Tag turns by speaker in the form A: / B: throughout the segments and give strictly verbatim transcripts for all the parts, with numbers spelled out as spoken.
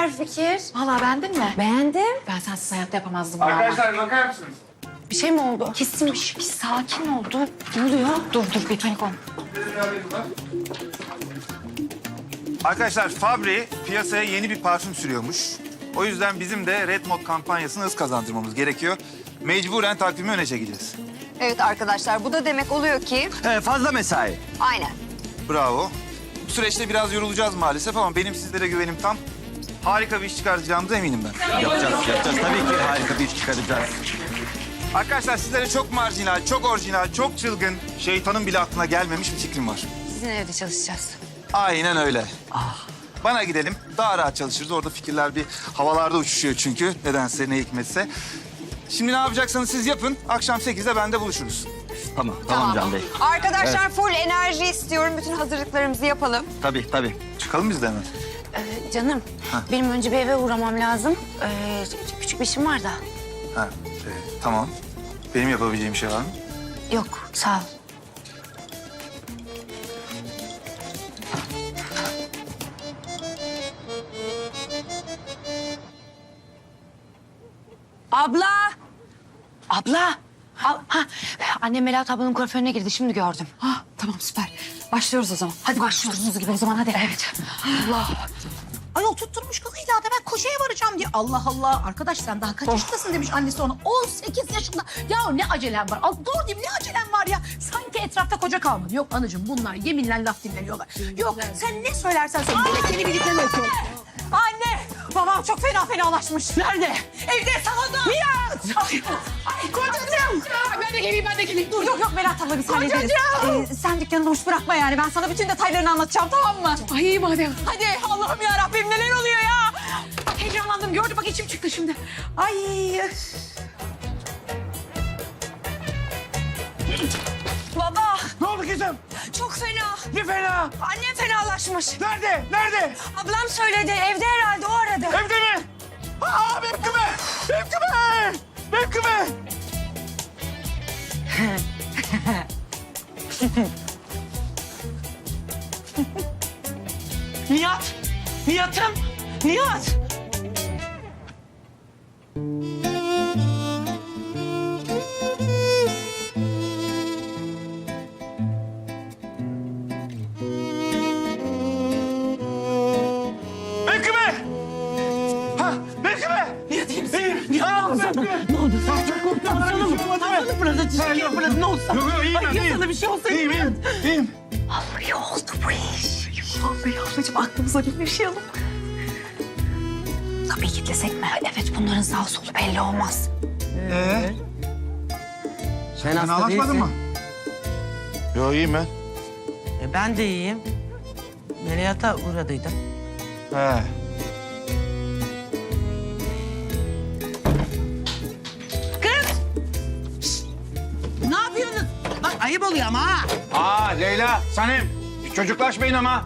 A: süper fikir.
B: Vallahi beğendin mi?
A: Beğendim.
B: Ben sensiz hayatta yapamazdım bunu ama.
C: Arkadaşlar bakar mısınız?
A: Bir şey mi oldu?
B: Kesinmiş. Bir sakin ol. Dur. Ne oluyor? Dur dur bir panik olma.
C: Arkadaşlar Fabri piyasaya yeni bir parfüm sürüyormuş. O yüzden bizim de Red Mod kampanyasını hız kazandırmamız gerekiyor. Mecburen takvimi öne çekeceğiz.
D: Evet arkadaşlar, bu da demek oluyor ki...
E: Ee, fazla mesai.
D: Aynen.
C: Bravo. Bu süreçte biraz yorulacağız maalesef ama benim sizlere güvenim tam. Harika bir iş çıkaracağımıza eminim ben.
E: Yapacağız, yapacağız. Tabii ki harika bir iş çıkaracağız.
C: Arkadaşlar sizlere çok marjinal, çok orijinal, çok çılgın, şeytanın bile aklına gelmemiş bir fikrim var.
A: Sizin evde çalışacağız.
C: Aynen öyle. Bana gidelim. Daha rahat çalışırız. Orada fikirler bir havalarda uçuşuyor çünkü. Nedense ne hikmetse. Şimdi ne yapacaksanız siz yapın. Akşam sekizde bende buluşuruz.
E: Tamam, tamam, Can Bey.
D: Arkadaşlar full enerji istiyorum. Bütün hazırlıklarımızı yapalım.
E: Tabii, tabii.
C: Çıkalım biz de hemen.
A: Ee, canım, benim önce bir eve uğramam lazım. Ee, küçük bir işim var da.
C: Ha, e, tamam. Benim yapabileceğim bir şey var mı?
A: Yok, sağ ol. Abla! Abla! Al- ha, annem Melahat ablanın kuaförüne girdi, şimdi gördüm.
B: Ah, tamam süper. Başlıyoruz o zaman. Hadi başlıyoruz gibi o zaman hadi. Evet.
A: Allah!
F: Ayol tutturmuş kız illa da ben koşuya varacağım diye. Allah Allah. Arkadaş sen daha kaç yaşındasın demiş annesi ona. on sekiz yaşında. Ya ne acelem var? Al dur diyeyim ne acelem var ya? Sanki etrafta koca kalmadı. Yok anacığım bunlar yeminle laf dinlemiyorlar. Yok sen ne söylersen söyle. Demek seni birlikte yapıyor. Anne babam çok fena fenalaşmış. Nerede? Evde salonda. Nihat. Ay, ay kocacığım. Ben de geleyim ben de geleyim. Dur yok yok Berat abla biz hallederiz. Ee, sen dükkanı boş bırakma yani. Ben sana bütün detaylarını anlatacağım tamam mı?
B: Ay iyi madem.
F: Hadi Allah'ım ya Rabbim neler oluyor ya? Heyecanlandım gördü bak içim çıktı şimdi. Ay. Üf.
A: Baba!
C: Ne oldu kızım?
A: Çok fena.
C: Ne fena?
A: Annem fenalaşmış.
C: Nerede? Nerede?
A: Ablam söyledi, evde herhalde, o aradı.
C: Evde mi? Aa benim küme! Benim küme! Benim küme!
F: Nihat. Nihat'ım. Nihat.
C: Benim küme! Ha, benim küme!
F: Nihat iyi misin?
C: İyiyim.
F: Nihat ne oldu sana? Ne oldu? Sen çok korktun. Sana mı? Sana mı burada? Çizgiye burada ne oldu sana?
C: Yok yok iyiyim ben
F: Ay, ya
C: iyiyim.
F: sana bir şey olsaydı.
C: İyiyim iyiyim. İyiyim.
A: Vallahi oldu bu iş.
F: Vallahi ablacığım aklımıza bir şey alın.
A: Kapıyı kilitlesek mi? Evet, bunların sağ solu belli olmaz.
C: Ee?
G: Sen
C: Sen
G: hasta
C: ağlaşmadın
G: değilsin.
C: mı? Yok iyiyim ben.
G: E, ben de iyiyim. Melihat'a uğradıydım.
C: He.
G: Ne yapıyorsunuz? Bak ayıp oluyor ama ha.
C: Aa Leyla, Sanem. Çocuklaşmayın ama.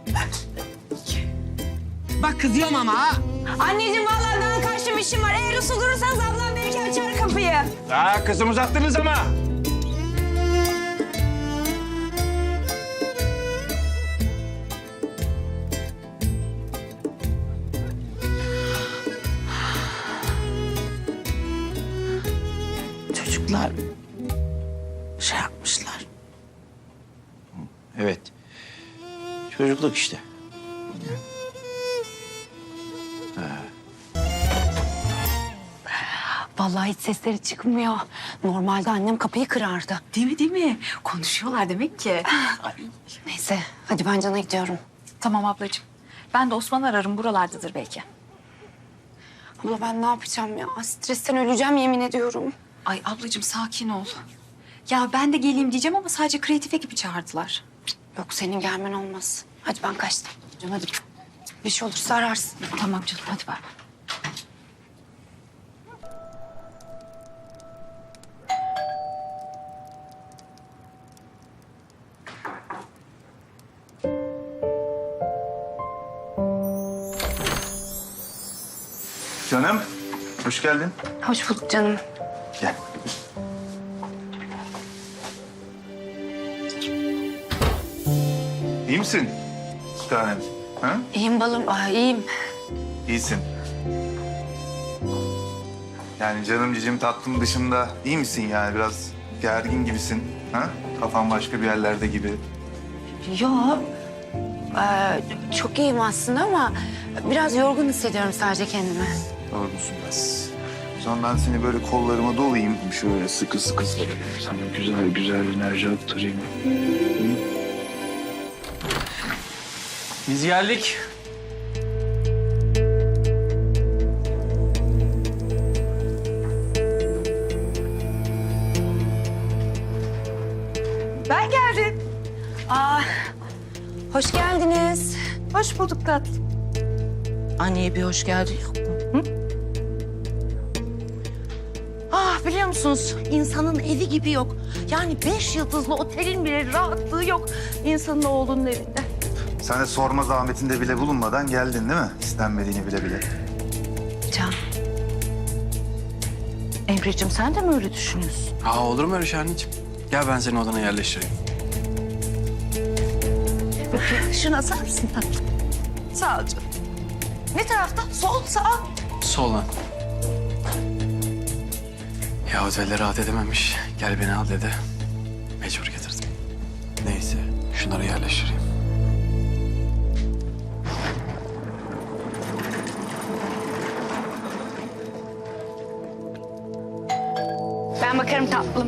G: Bak kızıyorum ama ha.
A: Anneciğim vallahi ben karşı bir işim var. Eğer usul durursanız ablam belki açar kapıyı.
C: Aa kızım uzattınız ama.
G: Çocuklar şey yapmışlar.
E: Evet. Çocukluk işte.
A: Vallahi hiç sesleri çıkmıyor. Normalde annem kapıyı kırardı.
B: Değil mi değil mi? Konuşuyorlar demek ki.
A: Neyse, hadi ben Can'a gidiyorum.
B: Tamam ablacığım. Ben de Osman ararım buralardadır belki.
A: Abla ben ne yapacağım ya? Stresten öleceğim yemin ediyorum.
B: Ay ablacığım sakin ol. Ya ben de geleyim diyeceğim ama sadece kreatif ekibi çağırdılar.
A: Yok senin gelmen olmaz. Hadi ben kaçtım. Can hadi. Bir şey olursa ararsın.
B: Tamam canım hadi bay bay.
C: Canım, hoş geldin.
A: Hoş bulduk canım.
C: Gel. İyi misin? Bir tanem. Ha?
A: İyiyim balım. Aa, iyiyim.
C: İyisin. Yani canım cicim tatlım dışında iyi misin yani? Biraz gergin gibisin. Ha? Kafan başka bir yerlerde gibi.
A: Yok. Ee, çok iyiyim aslında ama biraz yorgun hissediyorum sadece kendimi.
C: Yorgunsun biraz. O zaman ben seni böyle kollarıma dolayayım. Şöyle sıkı sıkı sarayım. Sana güzel güzel enerji aktarayım.
E: Biz geldik.
A: Ben geldim. Aa, hoş geldiniz.
D: Hoş bulduk tatlım.
G: Anneye bir hoş geldin yok mu? Hı? Ah biliyor musunuz insanın evi gibi yok. Yani beş yıldızlı otelin bile rahatlığı yok insanın oğlunun evinde.
C: Sen de sorma zahmetinde bile bulunmadan geldin değil mi? İstenmediğini bile bile.
A: Can.
G: Emre'cim sen de mi öyle düşünüyorsun?
H: Aa, olur mu öyle şey anneciğim? Gel ben seni odana yerleştireyim.
G: Şunu asar mısın tatlım? Sağ ol canım. Ne tarafta? Sol, sağ.
H: Soldan. Ya otelde rahat edememiş. Gel beni al dedi. Mecbur getirdim. Neyse şunları yerleştireyim.
A: Ben bakarım tatlım.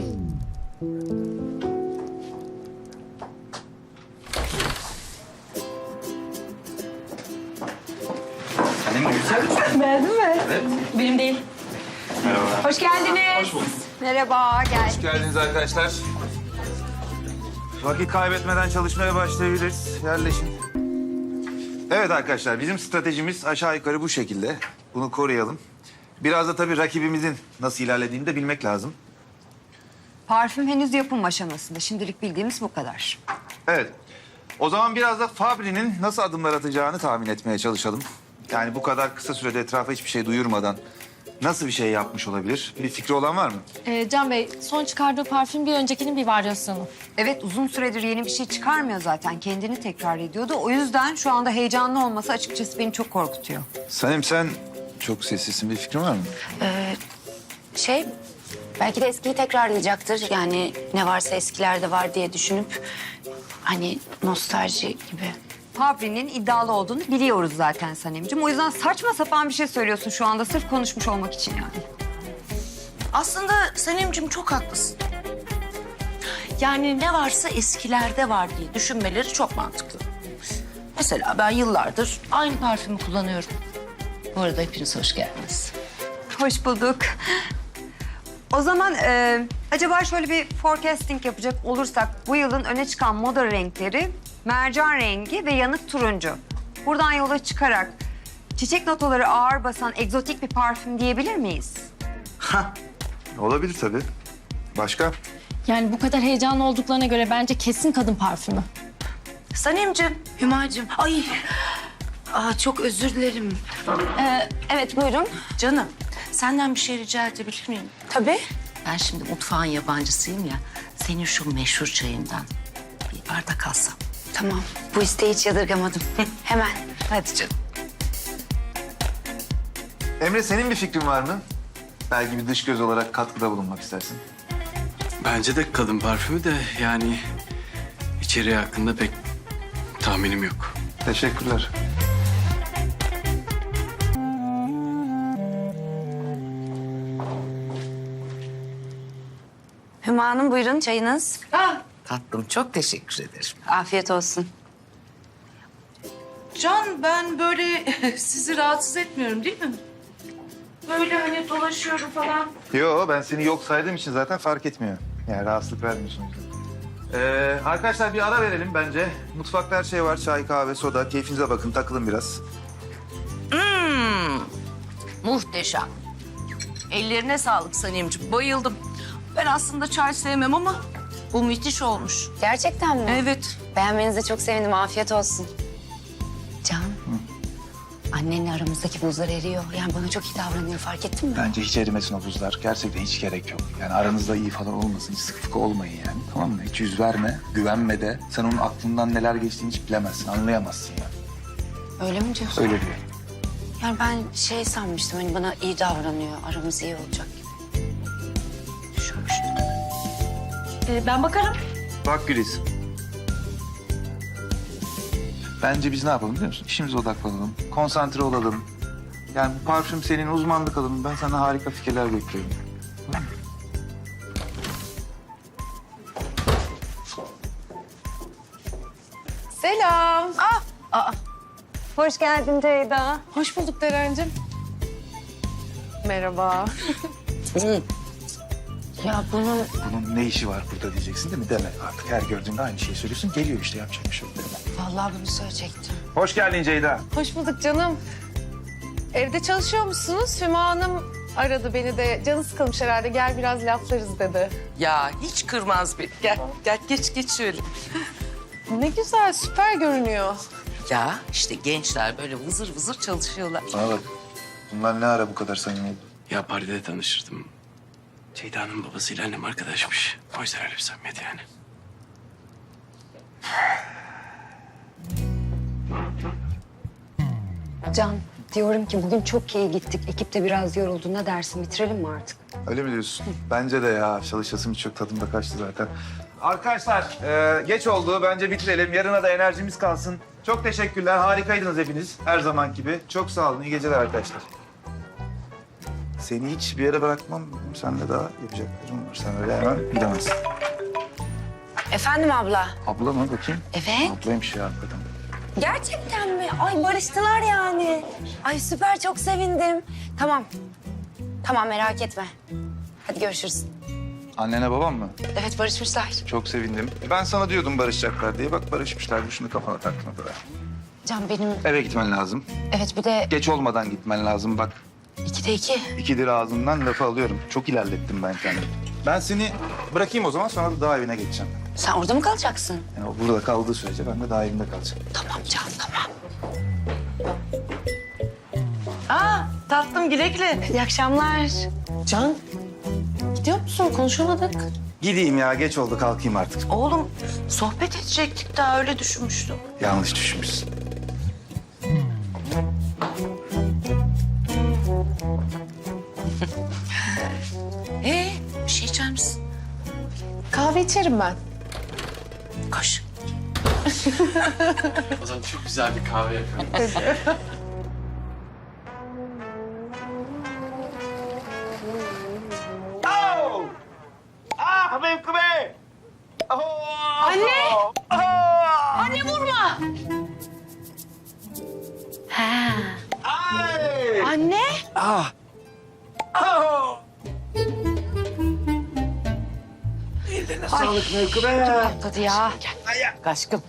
B: Benim değil.
D: Hoş geldiniz. Merhaba, gel.
C: Hoş geldiniz arkadaşlar. Vakit kaybetmeden çalışmaya başlayabiliriz. Yerleşin. Evet arkadaşlar, bizim stratejimiz aşağı yukarı bu şekilde. Bunu koruyalım. Biraz da tabii rakibimizin nasıl ilerlediğini de bilmek lazım.
D: Parfüm henüz yapım aşamasında. Şimdilik bildiğimiz bu kadar.
C: Evet. O zaman biraz da Fabri'nin nasıl adımlar atacağını tahmin etmeye çalışalım. Yani bu kadar kısa sürede etrafa hiçbir şey duyurmadan nasıl bir şey yapmış olabilir? Bir fikri olan var mı?
I: Ee, Can Bey, son çıkardığı parfüm bir öncekinin bir varyasyonu.
D: Evet, uzun süredir yeni bir şey çıkarmıyor zaten. Kendini tekrar ediyordu. O yüzden şu anda heyecanlı olması açıkçası beni çok korkutuyor.
C: Sanem sen çok sessizsin. Bir fikrin var mı?
A: Ee, şey, belki de eskiyi tekrarlayacaktır. Yani ne varsa eskilerde var diye düşünüp hani nostalji gibi.
D: Fabri'nin iddialı olduğunu biliyoruz zaten Sanemciğim. O yüzden saçma sapan bir şey söylüyorsun şu anda sırf konuşmuş olmak için yani.
G: Aslında Sanemciğim çok haklısın. Yani ne varsa eskilerde var diye düşünmeleri çok mantıklı. Mesela ben yıllardır aynı parfümü kullanıyorum. Bu arada hepiniz hoş geldiniz.
D: Hoş bulduk. O zaman e, acaba şöyle bir forecasting yapacak olursak bu yılın öne çıkan moda renkleri mercan rengi ve yanık turuncu. Buradan yola çıkarak çiçek notaları ağır basan egzotik bir parfüm diyebilir miyiz?
C: Olabilir tabii. Başka?
I: Yani bu kadar heyecanlı olduklarına göre bence kesin kadın parfümü.
G: Sanemciğim,
A: Hümacığım, ay. Aa, çok özür dilerim. Ee, evet, buyurun.
G: canım senden bir şey rica edebilir miyim?
A: Tabii.
G: Ben şimdi mutfağın yabancısıyım ya. Senin şu meşhur çayından bir bardak alsam.
A: Tamam, bu isteği hiç yadırgamadım. Hemen.
G: Hadi canım.
C: Emre senin bir fikrin var mı? Belki bir dış göz olarak katkıda bulunmak istersin.
H: Bence de kadın parfümü de yani içeriği hakkında pek tahminim yok.
C: Teşekkürler.
A: Hüma Hanım, buyurun çayınız.
G: Tatlım çok teşekkür ederim.
A: Afiyet olsun.
G: Can ben böyle sizi rahatsız etmiyorum değil mi? Böyle hani dolaşıyorum falan.
C: Yo ben seni yok saydığım için zaten fark etmiyor. Yani rahatsızlık vermiyorsun. Ee, arkadaşlar bir ara verelim bence. Mutfakta her şey var. Çay, kahve, soda. Keyfinize bakın. Takılın biraz.
G: Hmm, muhteşem. Ellerine sağlık Sanemciğim. Bayıldım. Ben aslında çay sevmem ama bu müthiş olmuş.
A: Gerçekten mi?
G: Evet.
A: Beğenmenize çok sevindim. Afiyet olsun. Can, annenle aramızdaki buzlar eriyor. Yani bana çok iyi davranıyor. Fark ettin mi?
C: Bence hiç erimesin o buzlar. Gerçekten hiç gerek yok. Yani aranızda iyi falan olmasın. Hiç sıkı fıkı olmayın yani. Tamam mı? Hiç yüz verme. Güvenme de. Sen onun aklından neler geçtiğini hiç bilemezsin. Anlayamazsın yani.
A: Öyle mi diyorsun?
C: Öyle diyor.
A: Yani ben şey sanmıştım hani bana iyi davranıyor, aramız iyi olacak gibi. Düşünmüştüm.
I: Ee, ben bakarım.
C: Bak Güliz. Bence biz ne yapalım biliyor musun? İşimize odaklanalım, konsantre olalım. Yani bu parfüm senin, uzmanlık alanın. Ben sana harika fikirler bekliyorum. Tamam mı?
J: Selam.
D: Hoş geldin Ceyda.
J: Hoş bulduk Derencim. Merhaba.
A: Ya bunun
C: Bunun ne işi var burada diyeceksin değil mi? Deme artık. Her gördüğünde aynı şeyi söylüyorsun. Geliyor işte, yapacak bir şey yok. Deme.
A: vallahi bunu söyleyecektim.
C: Hoş geldin Ceyda.
J: Hoş bulduk canım. Evde çalışıyor musunuz? Hüma Hanım aradı beni de. Canı sıkılmış herhalde. Gel biraz laflarız dedi.
G: Ya hiç kırmaz beni. Gel, gel geç geç şöyle.
J: Ne güzel, süper görünüyor.
G: Ya işte gençler böyle vızır vızır çalışıyorlar.
C: Bana bak. Bunlar ne ara bu kadar samimi oldu?
H: Ya Paris'te tanıştırdım. Ceyda'nın babasıyla annem arkadaşmış. O yüzden öyle bir samimiyet yani.
D: Can, diyorum ki bugün çok iyi gittik. Ekip de biraz yoruldu. Ne dersin? Bitirelim mi artık?
C: Öyle mi diyorsun? Bence de ya. Çalışasım çok tadımda kaçtı zaten. Arkadaşlar e, geç oldu. Bence bitirelim. Yarına da enerjimiz kalsın. Çok teşekkürler. Harikaydınız hepiniz. Her zaman gibi. Çok sağ olun. İyi geceler arkadaşlar. Seni hiç bir yere bırakmam. Seninle daha yapacaklarım var. Sen öyle hemen gidemezsin.
A: Efendim abla?
C: Abla mı bakayım?
A: Evet.
C: Ablaymış ya hakikaten.
A: Gerçekten mi? Ay barıştılar yani. Ay süper, çok sevindim. Tamam. Tamam, merak etme. Hadi görüşürüz.
C: Annene babam mı?
A: Evet, barışmışlar.
C: Çok sevindim. Ben sana diyordum barışacaklar diye. Bak barışmışlar. Şunu kafana taktın o kadar.
A: Can benim...
C: Eve gitmen lazım.
A: Evet, bir de
C: Geç olmadan gitmen lazım bak.
A: ikide iki.
C: İkidir ağzından lafı alıyorum. Çok ilerlettim ben kendimi. Ben seni bırakayım o zaman, sonra da dağ evine geçeceğim.
A: Sen orada mı kalacaksın?
C: Yani o burada kaldığı sürece ben de dağ evinde kalacağım.
A: Tamam Can, tamam.
G: Aa tatlım güle güle.
A: İyi akşamlar.
G: Can gidiyor musun? Konuşamadık.
C: Gideyim ya, geç oldu, kalkayım artık.
G: Oğlum sohbet edecektik daha öyle düşünmüştüm.
C: Yanlış düşünmüşsün.
G: Ee bir şey içer misin?
J: Kahve içerim ben.
G: Koş.
H: O zaman çok güzel bir kahve yapıyorum.
C: Ah mevkime!
A: Anne! Anne vurma! Ha. Anne?
C: Ah! Ellerine sağlık mevkime.
A: Patladı ya.
G: Aşkım.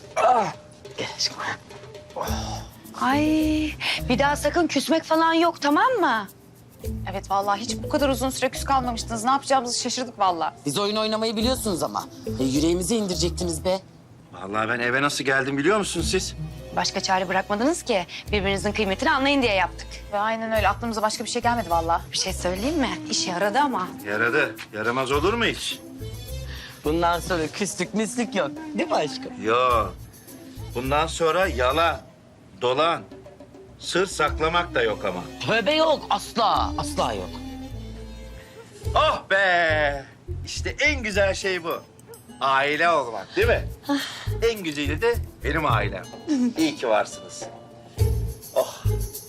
A: Ay, bir daha sakın küsmek falan yok, tamam mı?
B: Evet vallahi hiç bu kadar uzun süre küs kalmamıştınız. Ne yapacağımızı şaşırdık vallahi.
G: Biz oyun oynamayı biliyorsunuz ama. E, yüreğimizi indirecektiniz be.
K: Vallahi ben eve nasıl geldim biliyor musunuz siz?
A: Başka çare bırakmadınız ki. Birbirinizin kıymetini anlayın diye yaptık.
B: Ve aynen öyle aklımıza başka bir şey gelmedi vallahi.
A: Bir şey söyleyeyim mi? İşe yaradı ama.
K: Yaradı. Yaramaz olur mu hiç?
G: Bundan sonra küslük mislük yok. Değil mi aşkım?
K: Yok. Bundan sonra yalan, dolan, sır saklamak da yok ama.
G: Tövbe yok. Asla. Asla yok.
K: Oh be! İşte en güzel şey bu. Aile olmak değil mi? En güzeli de benim ailem. İyi ki varsınız. Oh.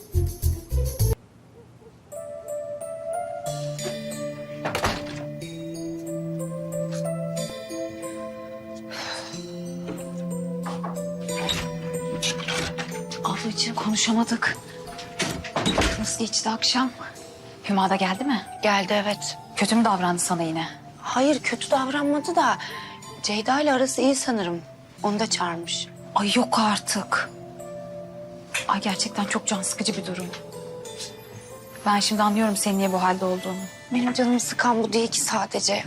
B: Ablacığım konuşamadık. Nasıl geçti akşam? Hüma da geldi mi?
A: Geldi evet.
B: Kötü mü davrandı sana yine?
A: Hayır, kötü davranmadı da Ceyda ile arası iyi sanırım. Onu da çağırmış.
B: Ay yok artık. Ay gerçekten çok can sıkıcı bir durum. Ben şimdi anlıyorum senin niye bu halde olduğunu.
A: Benim canımı sıkan bu değil ki sadece.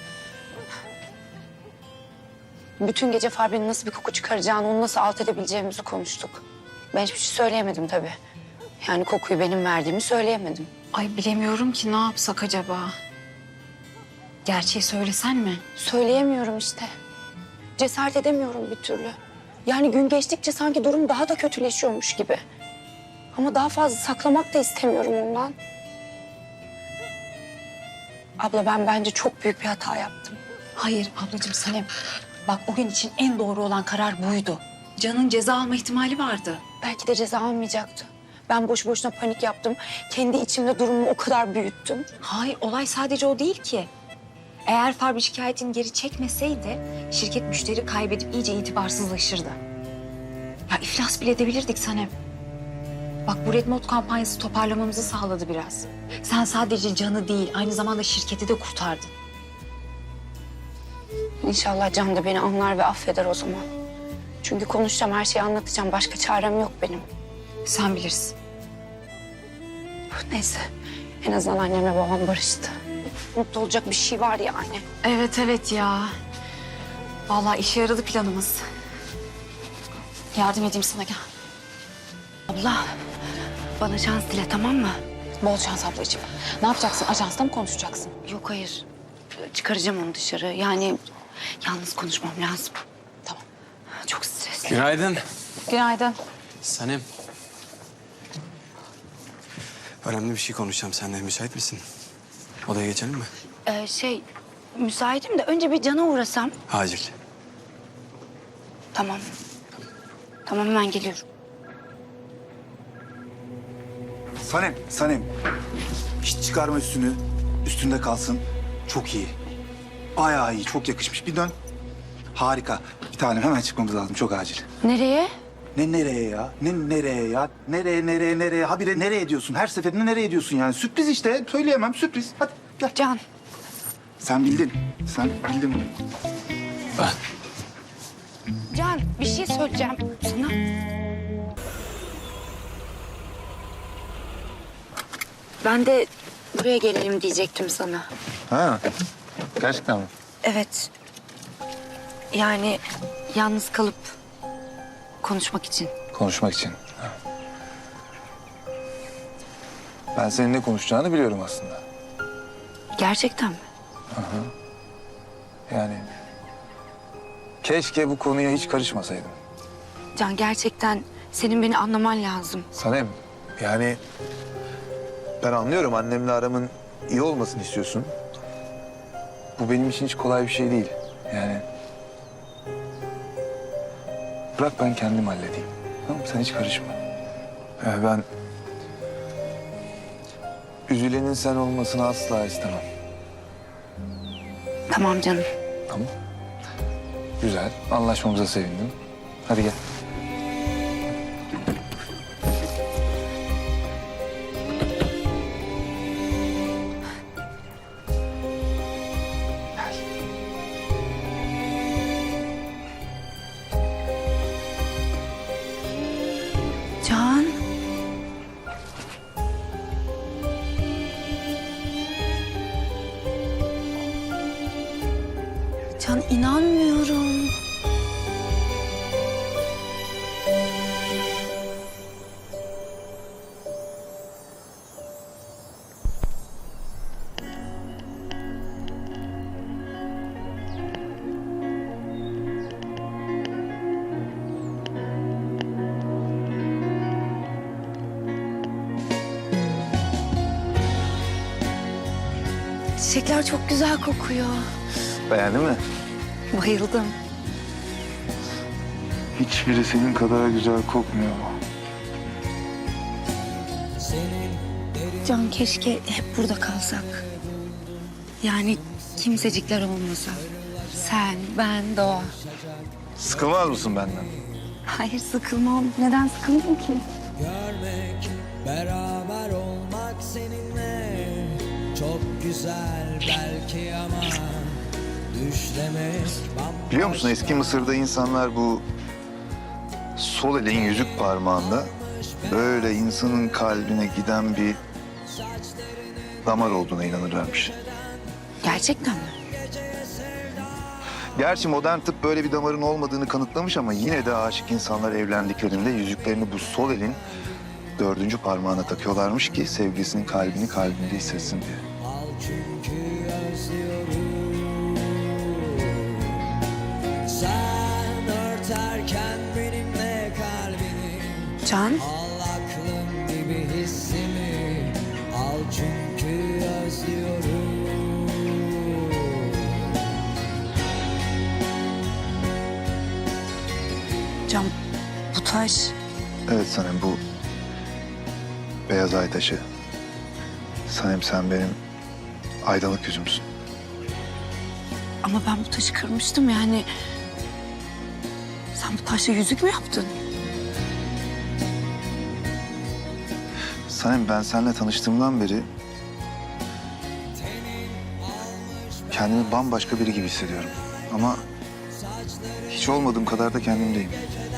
A: Bütün gece Fabri'nin nasıl bir koku çıkaracağını, onu nasıl alt edebileceğimizi konuştuk. Ben hiçbir şey söyleyemedim tabii. Yani kokuyu benim verdiğimi söyleyemedim.
B: Ay bilemiyorum ki ne yapsak acaba? Gerçeği söylesen mi?
A: Söyleyemiyorum işte. Cesaret edemiyorum bir türlü. Yani gün geçtikçe sanki durum daha da kötüleşiyormuş gibi. Ama daha fazla saklamak da istemiyorum ondan. Abla ben bence çok büyük bir hata yaptım.
B: Hayır ablacığım Sanem. Bak o gün için en doğru olan karar buydu. Can'ın ceza alma ihtimali vardı.
A: Belki de ceza almayacaktı. Ben boş boşuna panik yaptım. Kendi içimde durumu o kadar büyüttüm.
B: Hayır olay sadece o değil ki. Eğer Fabrice şikayetini geri çekmeseydi şirket müşteri kaybedip iyice itibarsızlaşırdı. Ya iflas bile edebilirdik Sanem. Bak bu Red Mod kampanyası toparlamamızı sağladı biraz. Sen sadece Can'ı değil aynı zamanda şirketi de kurtardın.
A: İnşallah Can da beni anlar ve affeder o zaman. Çünkü konuşacağım, her şeyi anlatacağım. Başka çarem yok benim.
B: Sen bilirsin.
A: Neyse, en azından annemle babam barıştı. Mutlu olacak bir şey var yani.
B: Evet evet ya. Vallahi işe yaradı planımız. Yardım edeyim sana gel.
A: Abla, bana şans dile, tamam mı?
B: Bol şans ablacığım. Ne yapacaksın? Ajansta mı konuşacaksın?
A: Yok hayır, çıkaracağım onu dışarı. Yani yalnız konuşmam lazım.
B: Tamam.
A: Çok stresli.
H: Günaydın.
B: Günaydın.
H: Sanem. Önemli bir şey konuşacağım seninle. Müsait misin? Odaya geçelim mi?
A: Ee, şey, müsaitim de önce bir Can'a uğrasam.
H: Acil.
A: Tamam. Tamam, hemen geliyorum.
L: Sanem, Sanem. Hiç çıkarma üstünü. Üstünde kalsın. Çok iyi. Bayağı iyi, çok yakışmış. Bir dön. Harika. Bir tanem hemen çıkmamız lazım, çok acil.
A: Nereye?
L: Ne nereye ya? Ne nereye ya? Nereye, nereye, nereye? Habire nereye diyorsun? Her seferinde nereye diyorsun yani? Sürpriz işte. Söyleyemem, sürpriz. Hadi gel.
A: Can.
L: Sen bildin. Sen bildin bunu.
A: Can, bir şey söyleyeceğim sana. Ben de buraya gelelim diyecektim sana.
C: Ha, gerçekten mi?
A: Evet. Yani yalnız kalıp konuşmak için.
C: Konuşmak için. Ha. Ben senin ne konuşacağını biliyorum aslında.
A: Gerçekten mi?
C: Yani keşke bu konuya hiç karışmasaydım.
A: Can, gerçekten senin beni anlaman lazım.
C: Sanem, yani ben anlıyorum annemle aramın iyi olmasını istiyorsun. Bu benim için hiç kolay bir şey değil. Yani bırak ben kendim halledeyim. Tamam mı? Sen hiç karışma. Yani ben üzülenin sen olmasını asla istemem.
A: Tamam canım.
C: Tamam. Güzel. Anlaşmamıza sevindim. Hadi gel.
A: Can. Can, inanmıyorum. Çiçekler çok güzel kokuyor.
C: Beğendin mi?
A: Bayıldım.
C: Hiçbiri senin kadar güzel kokmuyor.
A: Can, keşke hep burada kalsak. Yani kimsecikler olmasa. Sen, ben, Doğa.
C: Sıkılmaz mısın benden?
A: Hayır, sıkılmam. Neden sıkıldım ki?
M: Görmek, beraber olmak seninle çok güzel belki ama düşlemek bambaşka.
C: Biliyor musun eski Mısır'da insanlar bu sol elin yüzük parmağında böyle insanın kalbine giden bir damar olduğuna inanırlarmış.
A: Gerçekten mi?
C: Gerçi modern tıp böyle bir damarın olmadığını kanıtlamış ama yine de aşık insanlar evlendiklerinde yüzüklerini bu sol elin dördüncü parmağına takıyorlarmış ki sevgilisinin kalbini kalbinde hissetsin diye.
M: Al çünkü özlüyorum. Sen örterken benimle kalbini
A: Can,
M: al aklım çünkü özlüyorum.
A: Can, bu taş
L: Evet Sanem, bu beyaz ay taşı. Sanem, sen benim aydınlık yüzümsün.
A: ama ben bu taşı kırmıştım yani. Sen bu taşla yüzük mü yaptın?
L: Sanem, ben seninle tanıştığımdan beri kendimi bambaşka biri gibi hissediyorum. Ama hiç olmadığım kadar da kendimdeyim.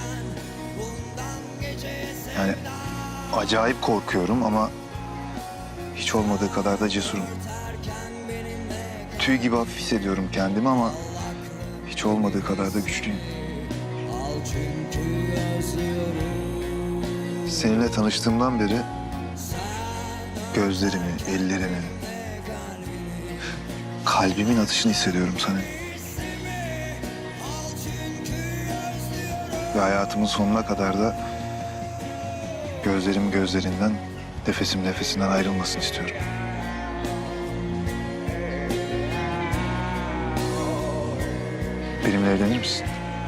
L: Yani acayip korkuyorum ama hiç olmadığı kadar da cesurum. Tüy gibi hafif hissediyorum kendimi ama hiç olmadığı kadar da güçlüyüm. Seninle tanıştığımdan beri gözlerimi, ellerimi, kalbimin atışını hissediyorum sana. Ve hayatımın sonuna kadar da gözlerim gözlerinden, nefesim nefesinden ayrılmasını istiyorum. Benimle evlenir misin?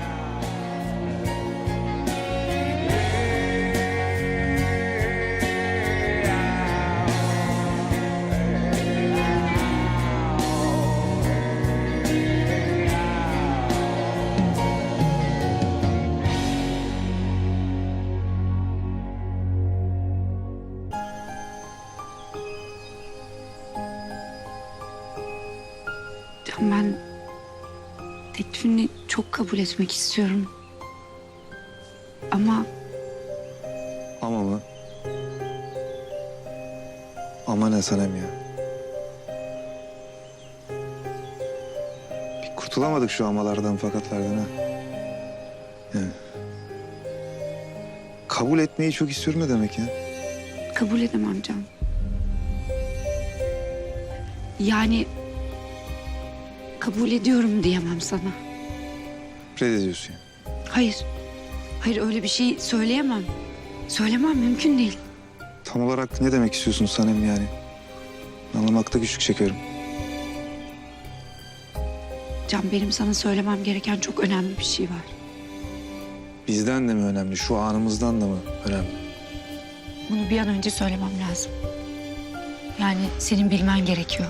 A: Can, ben teklifini çok kabul etmek istiyorum. Ama
L: Ama mı? Ama ne Sanem ya? Bir kurtulamadık şu amalardan fakatlardan ha. Yani. Kabul etmeyi çok istiyorum ne demek ya?
A: kabul edemem Can. Yani kabul ediyorum diyemem sana.
L: Reddediyorsun ya.
A: Hayır. Hayır, öyle bir şey söyleyemem. Söylemem, mümkün değil.
L: Tam olarak ne demek istiyorsun Sanem yani? Anlamakta güçlük çekiyorum.
A: Can, benim sana söylemem gereken çok önemli bir şey var.
L: Bizden de mi önemli, şu anımızdan da mı önemli?
A: Bunu bir an önce söylemem lazım. Yani senin bilmen gerekiyor.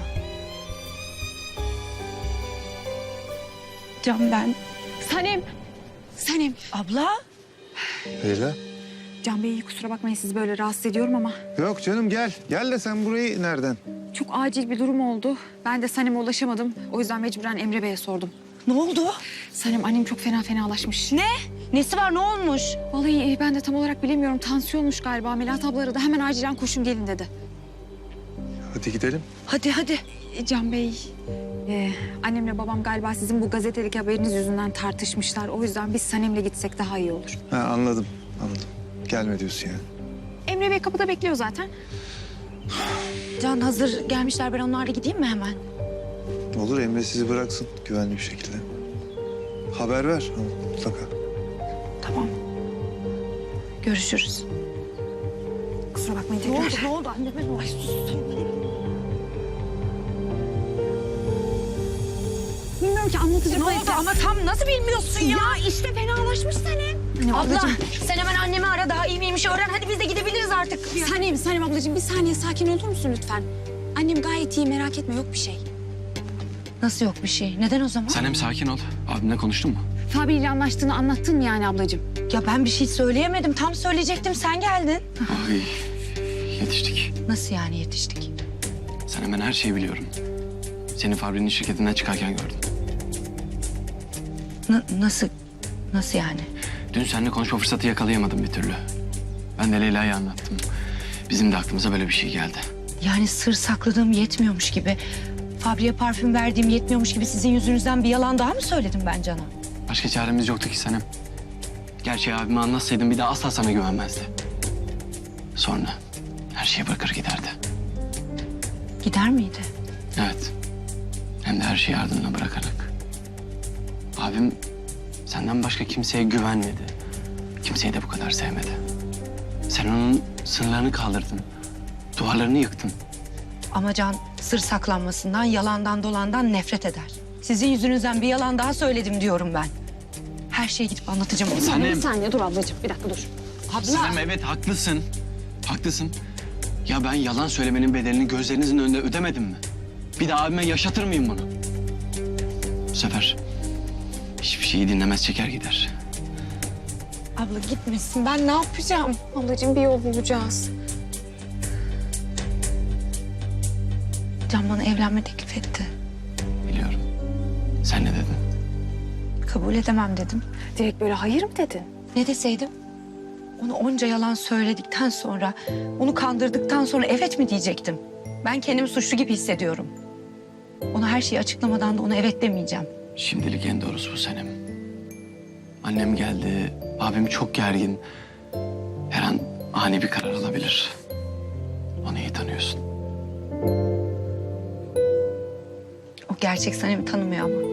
A: Can, ben...
B: Sanem. Sanem.
A: Abla?
L: Leyla?
B: Can Bey, kusura bakmayın sizi böyle rahatsız ediyorum ama
L: Yok canım, gel. Gel de sen burayı nereden?
B: çok acil bir durum oldu. Ben de Sanem'e ulaşamadım. O yüzden mecburen Emre Bey'e sordum.
A: Ne oldu?
B: Sanem, annem çok fena fenalaşmış.
A: Ne? Nesi var, ne olmuş?
B: Vallahi ben de tam olarak bilemiyorum. Tansiyonmuş galiba. Melahat abla aradı. Hemen acilen koşun gelin dedi.
L: Hadi gidelim.
A: Hadi hadi.
B: E, Can Bey, e, annemle babam galiba sizin bu gazetedeki haberiniz yüzünden tartışmışlar. O yüzden biz Sanem'le gitsek daha iyi olur.
L: Ha, anladım, anladım. Gelme diyorsun yani.
B: Emre Bey kapıda bekliyor zaten.
A: Can, hazır gelmişler, ben onlarla gideyim mi hemen?
L: Olur, Emre sizi bıraksın güvenli bir şekilde. Haber ver ha, mutlaka.
A: Tamam. Görüşürüz.
B: Kusura bakmayın tekrar.
A: Ne oldu anneme? Ay sus.
B: Bilmiyorum ki, anlatacak.
A: Ne oldu ama tam nasıl bilmiyorsun ya?
B: Ya işte fenalaşmış Sanem. Hani
A: Abla,
B: ablacığım,
A: sen hemen annemi ara, daha iyi miymiş öğren. Hadi biz de gidebiliriz artık.
B: Sanem, Sanem ablacığım bir saniye sakin olur musun lütfen? Annem gayet iyi, merak etme, yok bir şey.
A: Nasıl yok bir şey? Neden o zaman?
H: Sanem sakin ol. Abimle konuştun mu?
B: Fabi ile anlaştığını anlattın mı yani ablacığım?
A: Ya ben bir şey söyleyemedim. Tam söyleyecektim, sen geldin.
H: Ay, yetiştik.
A: Nasıl yani yetiştik?
H: Sanem, ben her şeyi biliyorum. Seni Fabri'nin şirketinden çıkarken gördüm.
A: N- nasıl? Nasıl yani?
H: Dün seninle konuşma fırsatı yakalayamadım bir türlü. Ben de Leyla'ya anlattım. Bizim de aklımıza böyle bir şey geldi.
A: Yani sır sakladığım yetmiyormuş gibi... Fabri'ye parfüm verdiğim yetmiyormuş gibi sizin yüzünüzden bir yalan daha mı söyledim ben Can'a?
H: Başka çaremiz yoktu ki Sanem. Gerçeği abime anlatsaydım bir daha asla sana güvenmezdi. Sonra her şeyi bırakır giderdi.
A: Gider miydi?
H: Evet. Hem de her şeyi ardına bırakarak. Abim senden başka kimseye güvenmedi. Kimseyi de bu kadar sevmedi. Sen onun sınırlarını kaldırdın. Duvarlarını yıktın.
A: Ama Can sır saklanmasından, yalandan dolandan nefret eder. Sizin yüzünüzden bir yalan daha söyledim diyorum ben. Her şeyi gidip anlatacağım ona.
H: Sanem.
I: Bir saniye dur ablacığım, bir dakika dur.
H: Sanem evet haklısın. Haklısın. Ya ben yalan söylemenin bedelini gözlerinizin önünde ödemedim mi? Bir daha abime yaşatır mıyım bunu? Bu sefer hiçbir şeyi dinlemez çeker gider.
B: Abla gitmesin. Ben ne yapacağım? Ablacığım bir yol bulacağız.
A: Can bana evlenme teklif etti.
H: Biliyorum. Sen ne dedin?
A: Kabul edemem dedim.
B: Direkt böyle hayır mı dedin?
A: Ne deseydim? Onu onca yalan söyledikten sonra, onu kandırdıktan sonra evet mi diyecektim? Ben kendimi suçlu gibi hissediyorum. Ona her şeyi açıklamadan da ona evet demeyeceğim.
H: Şimdilik en doğrusu bu Sanem. Annem geldi. Abim çok gergin. Her an ani bir karar alabilir. Onu iyi tanıyorsun.
A: O gerçek Sanem'i tanımıyor ama.